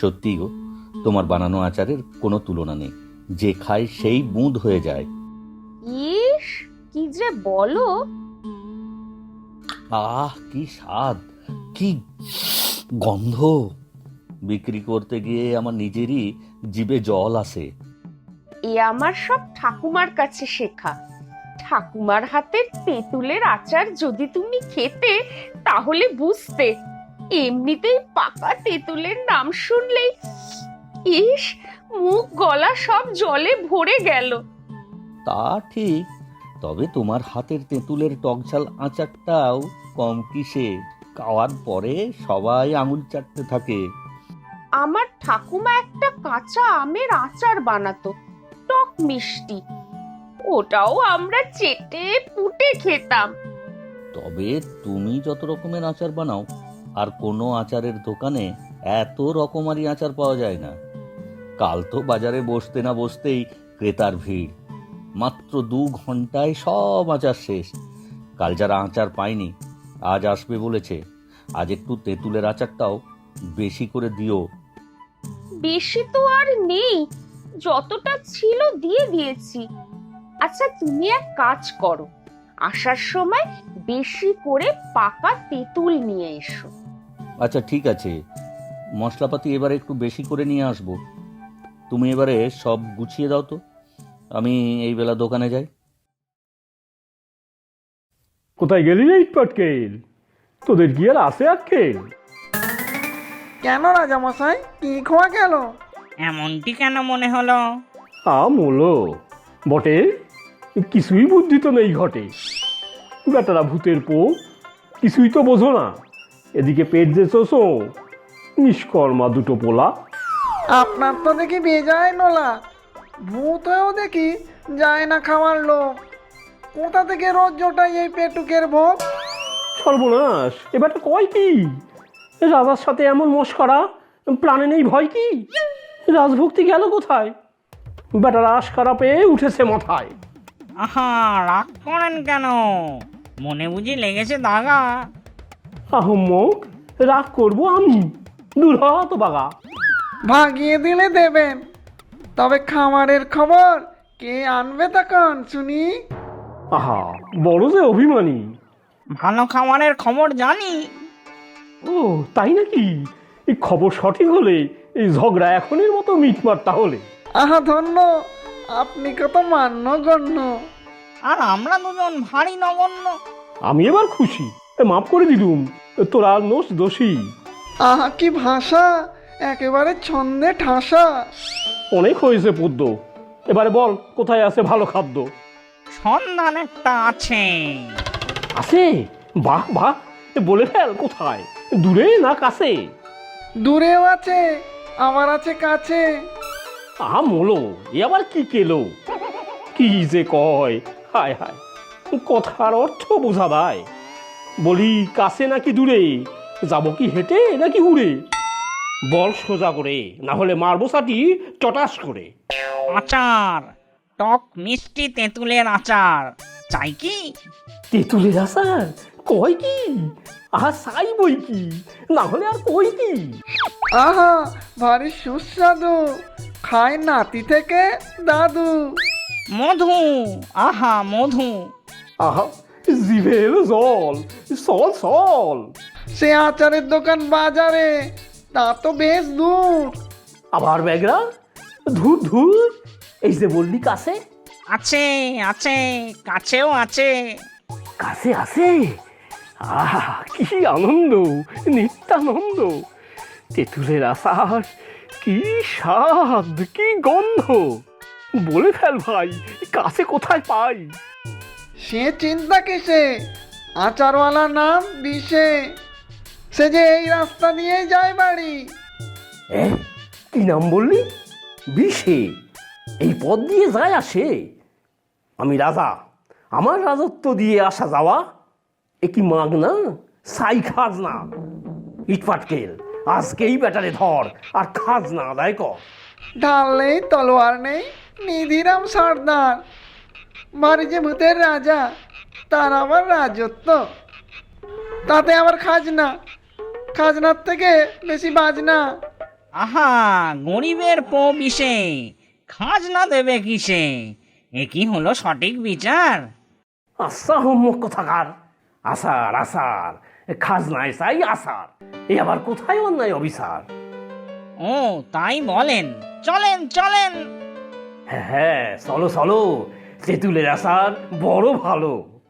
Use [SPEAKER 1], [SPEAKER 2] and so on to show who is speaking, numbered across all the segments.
[SPEAKER 1] সত্যি গো, তোমার বানানো আচারের কোনো তুলনা নেই। যে খায় সেই বুঁদ হয়ে যায়।
[SPEAKER 2] ইস, কি যে বলো!
[SPEAKER 1] আহ, কি স্বাদ, কি গন্ধ! বিক্রি করতে গিয়ে আমার নিজেরই জিভে জল আসে।
[SPEAKER 2] এ আমার সব ঠাকুমার কাছে শেখা। ঠাকুমার হাতের তেঁতুলের আচার যদি তুমি খেতে তাহলে বুঝতে। এমনিতেই পাকা তেঁতুলের নাম শুনলেই ইস, মুখ গলা সব জলে ভরে গেল।
[SPEAKER 1] তা ঠিক, তবে তোমার হাতের তেঁতুলের টকঝাল আচারটাও কম কিসে। খাওয়ার পরে সবাই আঙুল চাটতে থাকে।
[SPEAKER 2] আমার ঠাকুমা একটা কাঁচা আমের আচার বানাতো, টক মিষ্টি। ওটাও আমরা চেটে পুটে খেতাম।
[SPEAKER 1] তবে তুমি যত রকমের আচার বানাও, আর কোনো আচারের দোকানে এত রকমারি আচার পাওয়া যায় না। কাল তো বাজারে বসতে না বসতেই ক্রেতার ভিড়। মাত্র 2 ঘন্টায় সব আচার শেষ। কাল যারা আচার পায়নি, আজ আসবে বলেছে। আজ একটু তেঁতুলের আচারটাও বেশি করে দিও।
[SPEAKER 2] বেশি তো আর নেই, যতটা ছিল দিয়ে দিয়েছি। আচ্ছা, তুমি এক কাজ করো, আসার সময় বেশি করে পাকা তেঁতুল নিয়ে এসো।
[SPEAKER 1] আচ্ছা ঠিক আছে, মশলাপাতি এবারে একটু বেশি করে নিয়ে আসবো। তুমি এবারে সব গুছিয়ে দাও তো, আমি এই বেলা দোকানে যাই।
[SPEAKER 3] কোথায় গেলি রে ইটপাটকেল? তোদের কি আর আছে আক্কেল?
[SPEAKER 4] কেন রাজামশাই, কি খোয়া গেল?
[SPEAKER 5] এমনটি কেন মনে হলো?
[SPEAKER 3] মোলো বটে, কিছুই বুদ্ধি তো নেই ঘটে। বেটারা ভূতের পো, কিছুই তো বোঝো না। এদিকে পেট যে চোষো, নিষ্কর্মা দুটো পোলা।
[SPEAKER 4] আপনার তো দেখি বেজায় নোলা, ভূত হয়েও দেখি যায় না খাওয়ার লোক। কোথা থেকে রোজ জোটাই এই পেটুকের ভোগ?
[SPEAKER 3] সর্বনাশ, এবারটা কয় কি? রাজার সাথে এমন মস্করা, প্রাণে নেই ভয় কি? রাজভক্তি গেল কোথায়? বেটারা আশকারা পেয়ে উঠেছে মাথায়।
[SPEAKER 5] আহা, রাগ করেন কেন? মনে বুঝি লেগেছে দাগা?
[SPEAKER 3] আহম্মক, রাগ করবো আমি? দূর হ তো বাগা।
[SPEAKER 4] ভাগিয়ে দিলে দেবেন, তবে খামারের খবর কে আনবে তখন শুনি?
[SPEAKER 3] আহা, বড় যে অভিমানী।
[SPEAKER 5] ভালো খাবারের খবর জানি।
[SPEAKER 3] ও তাই নাকি? এই খবর সঠিক হলে এই ঝগড়া এখনের মতো মিটমাট তাহলে।
[SPEAKER 4] আহা ধন্য, আপনি কত মান্যগণ্য।
[SPEAKER 5] আর আমরা দুজন ভারী নগণ্য।
[SPEAKER 3] আমি এবার খুশি, মাফ করে দিলুম। তোরা নোস দোষী।
[SPEAKER 4] আহা কি ভাষা, একেবারে ছন্দে ঠাসা।
[SPEAKER 3] অনেক হয়েছে পদ্য, এবারে বল কোথায় আছে ভালো খাদ্য?
[SPEAKER 5] সন্ধান একটা আছে।
[SPEAKER 3] আছে? বাহ বাহ, বলে ফেল কোথায়, দূরে না কাছে?
[SPEAKER 4] দূরেও আছে, আবার আছে কাছে।
[SPEAKER 3] আহা মোলো, এ আবার কি কেলো? কি যে কয়, হায় হায়, কথার অর্থ বোঝা দায়। বলি কাছে নাকি দূরে, যাব কি হেঁটে নাকি উড়ে? বল সোজা করে, না হলে মারবো সাটি চটাস করে।
[SPEAKER 5] আচার, টক মিষ্টি তেঁতুলের আচার চাই কি?
[SPEAKER 3] তেঁতুলের আচার কয় কি? আহা চাই বই কি, না হলে আর কই কি?
[SPEAKER 4] আহা ভারী সুস্বাদু, খায় নাতি থেকে দাদু।
[SPEAKER 5] মধু, আহা মধু।
[SPEAKER 3] আহা, জিভে এলো জল, চল চল।
[SPEAKER 4] সে আচারের দোকান বাজারে, তা তো বেশ দূর।
[SPEAKER 3] আবার ব্যাগরা, ধুর ধুর, এই যে বললি কাছে।
[SPEAKER 5] আছে আছে, কাছেও আছে।
[SPEAKER 3] কাছে আছে? আহা কি আনন্দ, নিত্যানন্দ। তেঁতুলের আচার, কি স্বাদ, কি গন্ধ! বলে ফেল ভাই, কাছে কোথায় পাই?
[SPEAKER 4] সে চিন্তা কিসে, আচারওয়ালার নাম বিষে। সে যে এই রাস্তা দিয়ে যায় বাড়ি।
[SPEAKER 3] কি নাম বললি? বিষে? এই পথ দিয়ে যায় আসে? আমি রাজা, আমার রাজত্ব দিয়ে আসা যাওয়া, এ কি মাগনা সাই খাজনা? ইটপাটকেল, আজকেই ব্যাটারে ধর আর খাজনা আদায় কর।
[SPEAKER 4] ঢাল নেই তলোয়ার নেই, নিধিরাম সর্দার। বাড়ি যে ভূতের রাজা, তার আবার রাজত্ব, তাতে আবার খাজনা, খাজনার থেকে বেশি বাজনা।
[SPEAKER 5] আহা, গরিবের পো বিষে, খাজনা দেবে কিসে? এ কি হলো সঠিক বিচার?
[SPEAKER 3] আচ্ছা হোমক কোথাকার। আসার আসার, খাজনায় চাই আসার, এই আবার কোথায় অন্যায় অবিচার?
[SPEAKER 5] ও তাই বলেন, চলেন চলেন।
[SPEAKER 3] হ্যাঁ হ্যাঁ, চলো চলো, তেঁতুলের আচার বড় ভালো।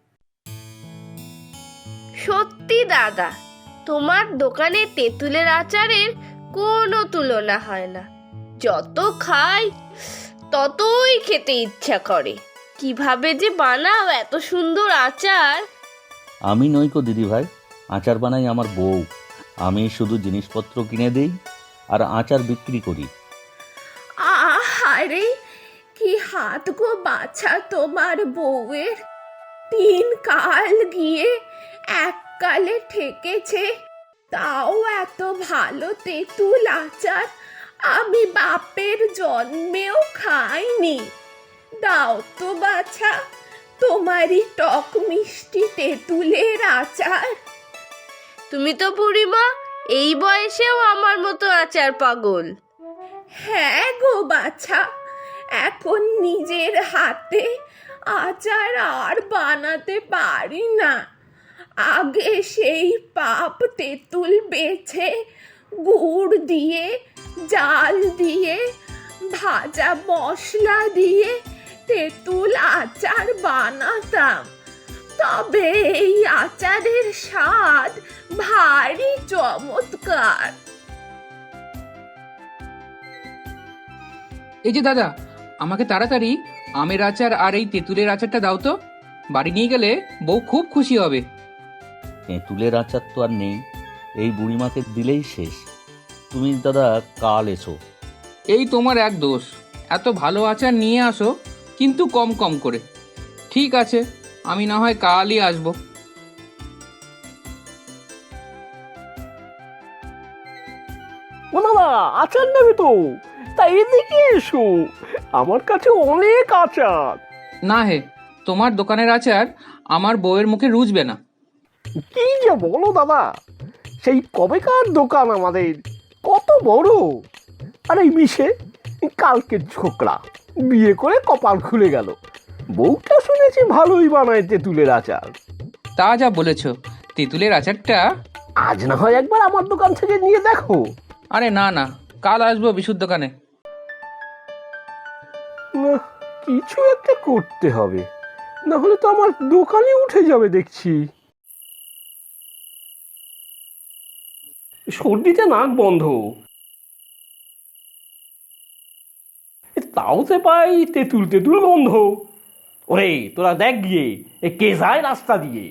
[SPEAKER 6] সত্যি দাদা, তোমার দোকানে তেঁতুলের আচারের কোনো তুলনা হয় না। যত খাই ততই খেতে ইচ্ছা করে। কিভাবে যে বানাও এত সুন্দর আচার!
[SPEAKER 1] আমি নইকো দিদি ভাই, আচার বানাই আমার বউ। আমি শুধু জিনিসপত্র কিনে দেই আর আচার বিক্রি করি।
[SPEAKER 7] আহারে, কি হাত গো বাছা তোমার বউয়ের! 3 কাল গিয়ে এক কালে ঠেকেছে। তাও এত ভালো তেঁতুল আচার আমি বাপের জন্মেও খাইনি। দাও তো বাছা, তোমারই টক মিষ্টি তেঁতুলের আচার।
[SPEAKER 6] তুমি তো বুড়িমা এই বয়সেও আমার মতো আচার পাগল।
[SPEAKER 7] হ্যাঁ গো বাছা, এখন নিজের হাতে আচার আর বানাতে পারি না। আগে সেই পাপ তেঁতুল বেছে গুড় দিয়ে, জাল দিয়ে, ভাজা মশলা দিয়ে তেঁতুল আচার বানাতাম। তবে এই আচারের স্বাদ ভারী চমৎকার।
[SPEAKER 8] এই যে দাদা, আমাকে তাড়াতাড়ি আমের আচার আর এই তেঁতুলের আচারটা দাও তো। বাড়ি নিয়ে গেলে বউ খুব খুশি হবে।
[SPEAKER 1] তেঁতুলের আচার তো আর নেই, এই বুড়িমাকে দিলেই শেষ। তুমি দাদা কাল এসো।
[SPEAKER 8] এই তোমার এক দোষ, এত ভালো আচার নিয়ে আসো কিন্তু কম কম করে। ঠিক আছে, আমি না হয় কালই আসবো।
[SPEAKER 3] ও দাদা, আচার নেবে তো? তা এদিকে এসো, আমার কাছে অনেক আচার।
[SPEAKER 8] না হে, তোমার দোকানের আচার আমার বউয়ের মুখে রুজবে না।
[SPEAKER 3] কি যে বলো দাদা, সেই কবেকার দোকান আমাদের, কত বড়। আর এই মিশে কালকের ছোকরা বিয়ে করে কপাল খুলে গেল। বউটা শুনেছি ভালোই বানায় তেঁতুলের আচার।
[SPEAKER 8] তা যা বলেছ, তেঁতুলের আচারটা
[SPEAKER 3] আজ না হয় একবার আমার দোকান থেকে নিয়ে দেখো।
[SPEAKER 8] আরে না না, কাল আসবো বিশুর দোকানে।
[SPEAKER 3] না, কিছু একটা করতে হবে, না হলে তো আমার দোকানে উঠে যাবে দেখছি। সর্দিতে নাক বন্ধ, তাও সে পাই তেঁতুল তেঁতুল গন্ধ। ওরে তোরা দেখ গিয়ে, কে যায় রাস্তা দিয়ে।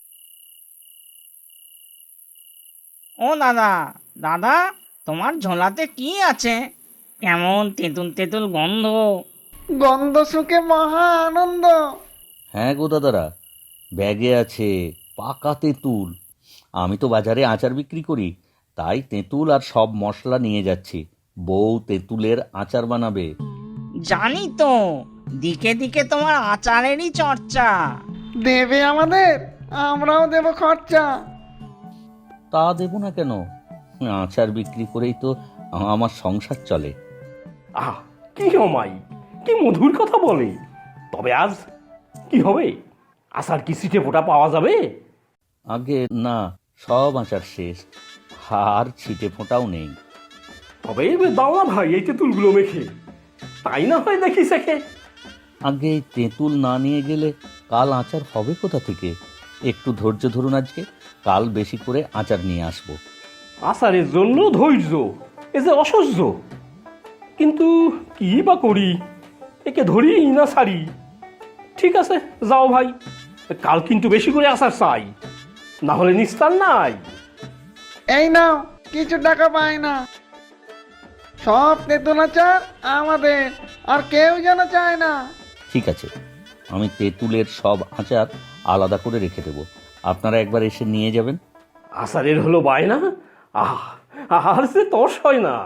[SPEAKER 5] ও দাদা, দাদা, তোমার ঝোলাতে কি আছে? কেমন তেঁতুল তেঁতুল গন্ধ।
[SPEAKER 4] গন্ধ শুকে মহা আনন্দ।
[SPEAKER 1] হ্যাঁ গো দাদারা, ব্যাগে আছে পাকা তেঁতুল। আমি তো বাজারে আচার বিক্রি করি, তাই তেঁতুল আর সব মশলা নিয়ে যাচ্ছি। বউ তেঁতুলের আচার বানাবে।
[SPEAKER 5] জানি তো, দিকে দিকে তোমার আচারেরই চর্চা।
[SPEAKER 4] দেবে আমাদের, আমরাও দেব খরচা।
[SPEAKER 1] তা দেব না কেন? আচার বিক্রি করেই তো আমার সংসার চলে।
[SPEAKER 3] আহ, কি অমাই, কি মধুর কথা বলে। তবে আজ কি হবে? আসার কি সিটে ফোটা পাওয়া যাবে?
[SPEAKER 1] আগে না, সব আচার শেষ, আর ছিটে ফোঁটাও নেই।
[SPEAKER 3] তবে এবার দাও না ভাই এই তেঁতুলগুলো মেখে, তাই না হয় দেখি শেখে।
[SPEAKER 1] আগে এই তেঁতুল না নিয়ে গেলে কাল আচার হবে কোথা থেকে? একটু ধৈর্য ধরুন, আজকে কাল বেশি করে আচার নিয়ে আসবো।
[SPEAKER 3] আসারের জন্য ধৈর্য, এ যে অসহ্য। কিন্তু কি বা করি, একে ধরি না ছাড়ি। ঠিক আছে, যাও ভাই, কাল কিন্তু বেশি করে আসার চাই, না হলে নিস্তার নাই।
[SPEAKER 4] এই নাও, কিছু টাকা পাই না। সব তেঁতুল আচার আমাদের, আর কেউ যেন চায় না।
[SPEAKER 1] ঠিক আছে, আমি তেঁতুলের সব আচার আলাদা করে রেখে দেবো, আপনারা একবার এসে নিয়ে যাবেন।
[SPEAKER 3] আসারের হলো বায়না, আর সে তর্স হয় না।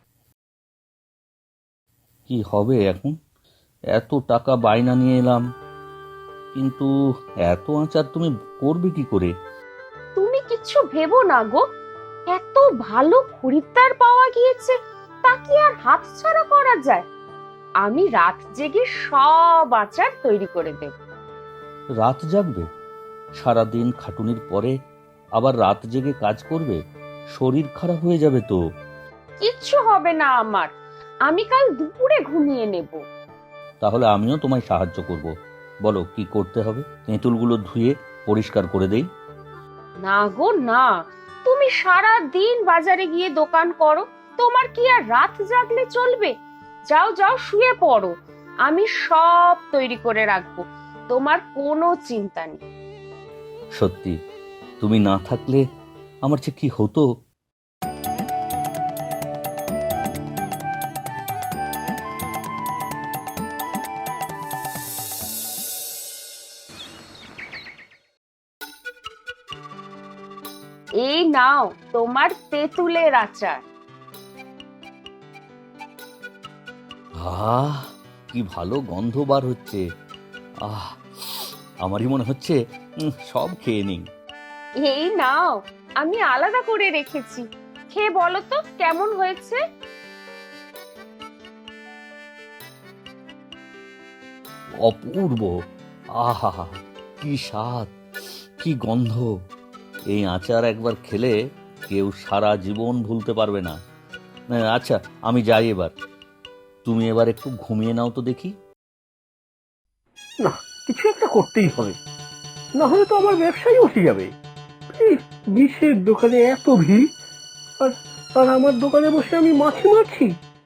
[SPEAKER 1] কি হবে এখন? এত টাকা বায়না নিয়ে এলাম, কিন্তু এত আচার তুমি করবে কি করে?
[SPEAKER 2] তুমি কিচ্ছু ভেবো না গো, এত ভালো খরিদ্দার পাওয়া গিয়েছে, তা কি আর হাতছাড়া করা যায়? আমি রাত জেগে সব আচার তৈরি করে দেব।
[SPEAKER 1] রাত জাগবে? সারাদিন খাটুনির পরে আবার রাত জেগে কাজ করবে? শরীর খারাপ হয়ে যাবে তো।
[SPEAKER 2] কিচ্ছু হবে না আমার, আমি কাল দুপুরে ঘুমিয়ে নেব।
[SPEAKER 1] তাহলে আমিও তোমায় সাহায্য করব। বলো কি করতে হবে? তেঁতুলগুলো ধুয়ে পরিষ্কার করে দেই?
[SPEAKER 2] না গো না, তুমি সারা দিন বাজারে গিয়ে দোকান করো, তোমার কি আর রাত জাগলে চলবে? যাও যাও শুয়ে পড়ো, আমি সব তৈরি করে রাখবো, তোমার কোনো চিন্তা নেই।
[SPEAKER 1] সত্যি তুমি না থাকলে আমার যে কি হতো।
[SPEAKER 2] এই নাও তোমার তেঁতুলের আচার।
[SPEAKER 1] আহ, কি ভালো গন্ধ বার হচ্ছে। আহ, আমারই মনে হচ্ছে সব খেয়ে নিই।
[SPEAKER 2] এই নাও, আমি আলাদা করে রেখেছি, খেয়ে বলো তো কেমন হয়েছে।
[SPEAKER 1] অপূর্ব। আহা, কি স্বাদ, কি গন্ধ। এই আচার একবার খেলে কেউ সারা জীবন ভুলতে পারবে না। আচ্ছা আমি যাই এবার, তুমি এবার একটু ঘুমিয়ে নাও তো দেখি।
[SPEAKER 3] না, কিছু একটা করতেই হবে, না হলে তো আমার ব্যবসাই উঠে যাবে। এই বিষের দোকানে এত ভিড়, আর আর আমার দোকানে বসে আমি মাছি মারছি।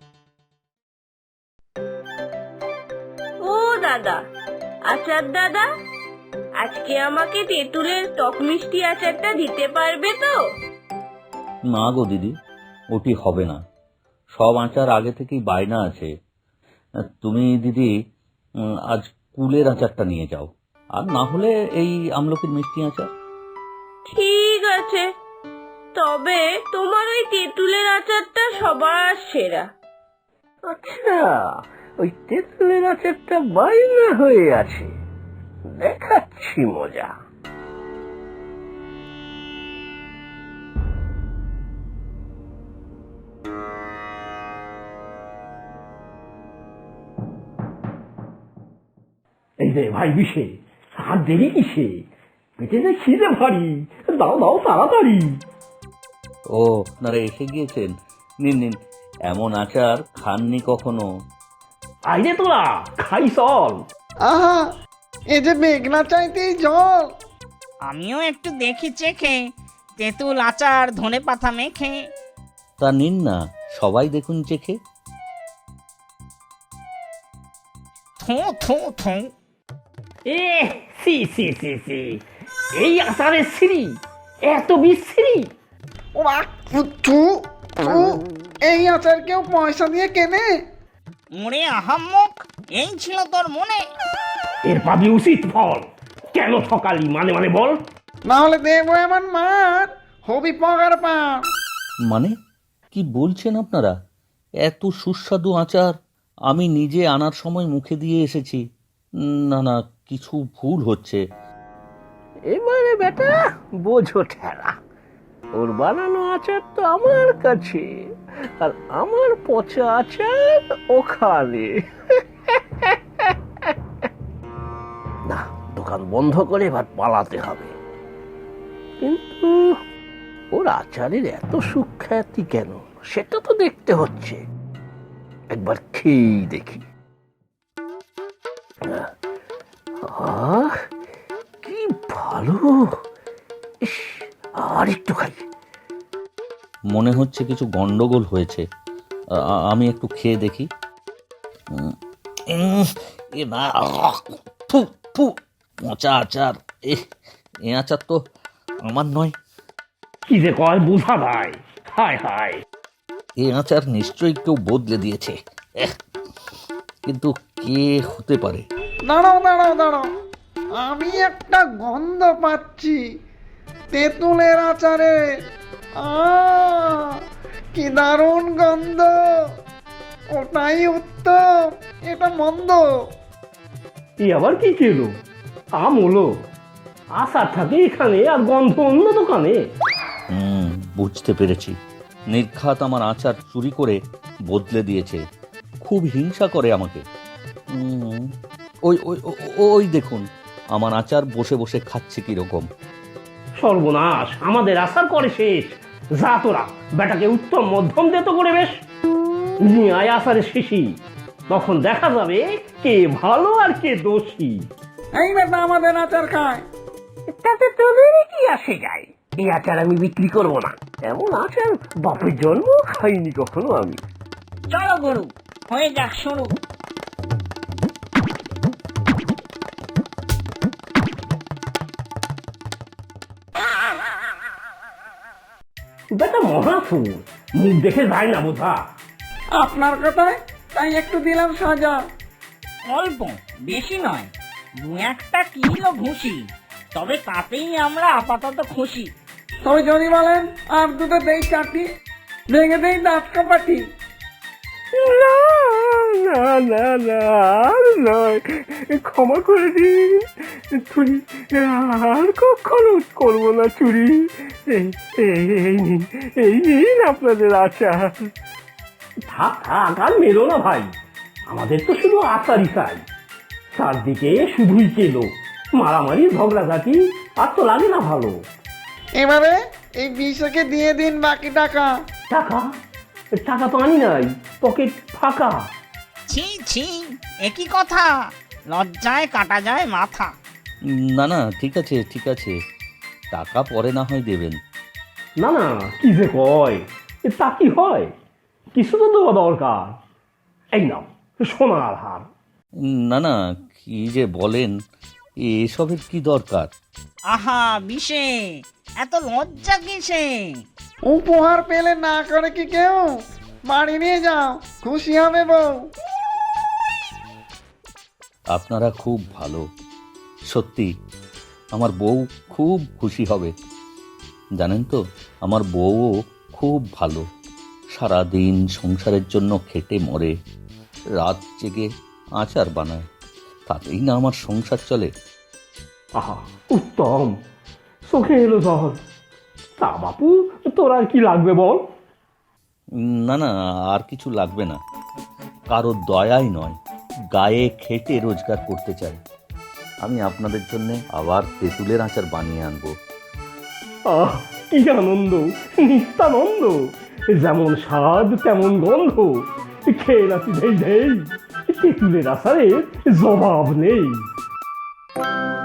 [SPEAKER 6] ও দাদা, আচার দাদা, আজকে আমাকে তেঁতুলের টক মিষ্টি আচারটা দিতে পারবে তো?
[SPEAKER 1] না গো দিদি, ওটি হবে না। সব আচার আগে থেকেই বায়না আছে। তুমি দিদি আজ কুলের আচারটা নিয়ে যাও, আর না হলে এই আমলকির মিষ্টি আচার।
[SPEAKER 6] ঠিক আছে, তবে তোমার ওই তেঁতুলের আচারটা সবার সেরা।
[SPEAKER 3] আচ্ছা, ওই তেঁতুলের আচারটা বাইনা হয়ে আছে, দেখাচ্ছি মজা। এই রে ভাই বিষে, আর দেরি কিসে? পেটে যে খিদে ভারী, দাও দাও তাড়াতাড়ি।
[SPEAKER 1] ও আপনারা এসে গিয়েছেন, নিন নিন। এমন আচার খাননি কখনো।
[SPEAKER 3] আইরে তোরা খাই চল।
[SPEAKER 4] আহা, এ যে মেঘনা চাইতেই জল।
[SPEAKER 5] আমিও একটু দেখি চেখে, তেঁতুল আচার ধনে পাতা মেখে।
[SPEAKER 1] তা নিন না, সবাই দেখুন চেখে।
[SPEAKER 5] থু থু থু।
[SPEAKER 3] এ সি সি সি সি, এই আচারের সিঁড়ি এত বিশ্রী।
[SPEAKER 4] ও থু থু, এই আচার কেউ পয়সা দিয়ে কেনে?
[SPEAKER 5] ওরে আহাম্মক, এই ছিল তোর মনে?
[SPEAKER 3] এর পাবি উচিত ফল। কেন ঠকালি মানে মানে বল।
[SPEAKER 4] না হলে দেবো এমন মার, হবি পগার পা।
[SPEAKER 1] মানে কি বলছেন আপনারা? এত সুস্বাদু আচার আমি নিজে আনার সময় মুখে দিয়ে এসেছি। না না, কিছু ভুল হচ্ছে।
[SPEAKER 3] এবারে বেটা বোঝো ঠেলা, ওর বানানো আচার তো আমার কাছে, আর আমার পচা আচার ওখানে। না, দোকান বন্ধ করে এবার পালাতে হবে। কিন্তু ওর আচারের এত সুখ্যাতি কেন, সেটা তো দেখতে হচ্ছে। একবার খেয়েই দেখি। আহ, কি ভালো। ইস, আর একটু খাই।
[SPEAKER 1] মনে হচ্ছে কিছু গন্ডগোল হয়েছে। আমি একটু খেয়ে দেখি। এ না, ফু ফু, পচা আচার। এ আচার তো আমার নয়।
[SPEAKER 3] কি যে কয় বুঝা ভাই, হায় হায়।
[SPEAKER 1] এ আচার নিশ্চয়ই কেউ বদলে দিয়েছে। কিন্তু কে হতে পারে?
[SPEAKER 4] দাঁড়াও দাঁড়াও দাঁড়াও, আমি একটা গন্ধ পাচ্ছি তেঁতুলের আচারে। কি দারুণ গন্ধ! ওটাই উত্তম, এটা মন্দ।
[SPEAKER 3] এই আবার কি খেলো? আম হলো, আচার থাকে এখানে আর গন্ধ অন্য দোকানে।
[SPEAKER 1] বুঝতে পেরেছি। নির্ঘাত আমার আচার চুরি করে বদলে দিয়েছে, খুব হিংসা করে আমাকে। ওই ওই ও- ওই দেখুন আমার আচার বসে বসে খাচ্ছে কিরকম।
[SPEAKER 3] সর্বনাশ, আমাদের আসার করে শেষ। যা তোরা বেটাকে উত্তম মধ্যম দিত করে বেশ নিয়ে আয় আসারে শেষি, তখন দেখা যাবে কে ভালো আর কে দোষী।
[SPEAKER 4] এই বেটা আমাদের আচার খায়।
[SPEAKER 3] তাতে তোদেরই কি আসে যায়? এই আচার আমি বিক্রি করব না, এমন আচার বাপের জন্ম খাইনি কখনো আমি।
[SPEAKER 5] চলো গরু, হয়ে যাক শুরু।
[SPEAKER 3] বেটা মহাফুল, মুখ দেখে যায় না বোঝা।
[SPEAKER 4] আপনার কথায় তাই একটু দিলাম সাজা।
[SPEAKER 5] অল্প, বেশি নয়, 2-1 কিলো ঘুষি, তবে তাতেই আমরা আপাতত খুশি।
[SPEAKER 4] তবে যদি বলেন আর দুটো দেই চাটি, ভেঙে দেই দাঁত কাপাটি।
[SPEAKER 3] না না না না, আর নয়, ক্ষমা করে দিন। চুরি আর কখনো করবো না চুরি। এই নিন আপনাদের আচার। থাক থাক, আর মেলো না ভাই, আমাদের তো শুধু আচারই চাই। চারদিকে শুধুই কেলো, মারামারি ঝগড়াঝাটি, আর তো লাগে না ভালো।
[SPEAKER 4] এবারে এই বিষকে দিয়ে দিন বাকি টাকা।
[SPEAKER 3] টাকা টাকা তো আনি নাই, পকেট ফাঁকা।
[SPEAKER 5] ছি ছি, একই কথা, লজ্জায় কাটা যায় মাথা।
[SPEAKER 1] না না, ঠিক আছে ঠিক আছে, টাকা পরে না হয় দেবেন।
[SPEAKER 3] না না, কি যে কয়, তা কি হয়? কিছু তো দেওয়া দরকার। এই নাও সোনার হার।
[SPEAKER 1] না না, কি যে বলেন, এসবের কি দরকার?
[SPEAKER 5] আহা বিষে, এত লজ্জা কিসে?
[SPEAKER 4] উপহার পেলে না করে কি কেউ? বাড়ি নিয়ে যাও, খুশি হবে বউ।
[SPEAKER 1] আপনারা খুব ভালো, সত্যি আমার বউ খুব খুশি হবে। জানেন তো, আমার বউও খুব ভালো, সারাদিন সংসারের জন্য খেটে মরে, রাত জেগে আচার বানায়, তাতেই না আমার সংসার চলে।
[SPEAKER 3] আহা, উত্তম, চোখে এলো জল। তা বাপু, তোর আর কি লাগবে বল?
[SPEAKER 1] না না, আর কিছু লাগবে না, কারো দয়াই নয়, গায়ে খেটে রোজগার করতে চাই। আমি আপনাদের জন্য আবার তেঁতুলের আচার বানিয়ে আনবো।
[SPEAKER 3] আহ, কি আনন্দ, নিত্যানন্দ, যেমন স্বাদ তেমন গন্ধ, খেয়ে নাকি ধেই ধেই, তেঁতুলের আচারের জবাব নেই।